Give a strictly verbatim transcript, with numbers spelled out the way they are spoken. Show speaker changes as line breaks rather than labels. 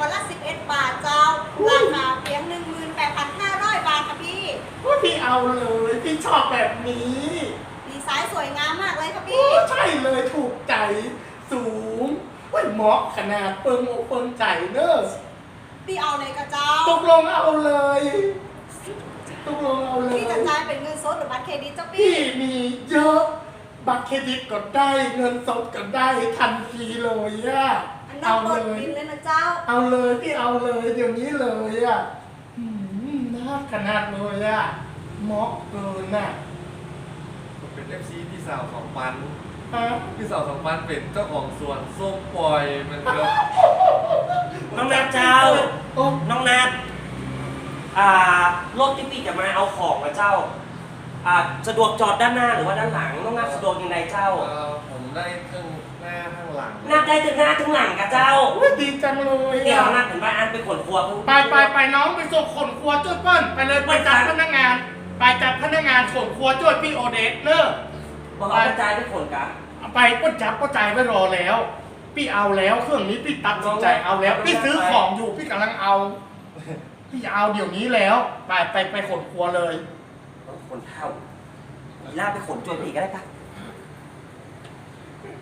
ละสิบเอ็ดบาทเจ้าราคาเพียงหนึ่งหมื่นแปดพันห้าร้อยบาทค่ะพี่
พี่เอาเลยพี่ชอบแบบนี้
ดีไซน์สวยงามมากเลยค่ะพี่
ใช่เลยถูกใจสูงว่าเหมาะขนาดเปิงอกเปิงใจเนอะ
พี่เอาเลยกระเจ้า
ตกลงเอาเลยตกลงเอาเลย
พี่จะจ่ายเป็นเงินสดหรือบัตรเครดิตเจ้าพี่
พี่มีเยอะบัตรเครดิตก็ได้เงินสดก็ได้ทันทีเลยอะ
เอาเลยเลยนะเจ้า
เอาเลยพี่เอาเลยเดี๋ยวนี้เลยอะน่าขนาดเลยอะเหมาะเกินอะ
ผมเป็น เอฟ ซี พี่สาวของปัน
ฮะ
พี่สาวของปันเป็นเจ้าของสวนส้มปล่อยมันก็
น้องนัดเจ้าน้องนัดอ่ารถที่พี่จะมาเอาของนะเจ้าอ่าสะดวกจอดด้านหน้าหรือว่าด้านหลังน้องนัดสะดวกยังไงเจ้า
ผมได้ทั้งหน้าทั้งหลัง
นัดได้ทั้งหน้าทั้งหลังกับเจ้า
ดีจังเลย
เดี๋ยวนัดถึงไปอันไปขนครัว
ไปไปไปน้องไปส่งขนครัวจุดเปิ้ลไปเลยไปจัดพนักงานไปจัดพนักงานขนครัวจุดพี่โอเดสเนอะ
บอกเอากระจายไปขนกัน
ไปป้นจับป้นใจไว้รอแล้วพี่เอาแล้วเครื่องนี้พี่ตัดสินใจเอาแล้วพี่ซื้อของอยู่พี่กำลังเอาพี่เอาเดี๋ยวนี้แล้วไปไปไปขนครัวเลย
ขนเท่าอีล่าไปขนจวนอีกก็ได้ปะ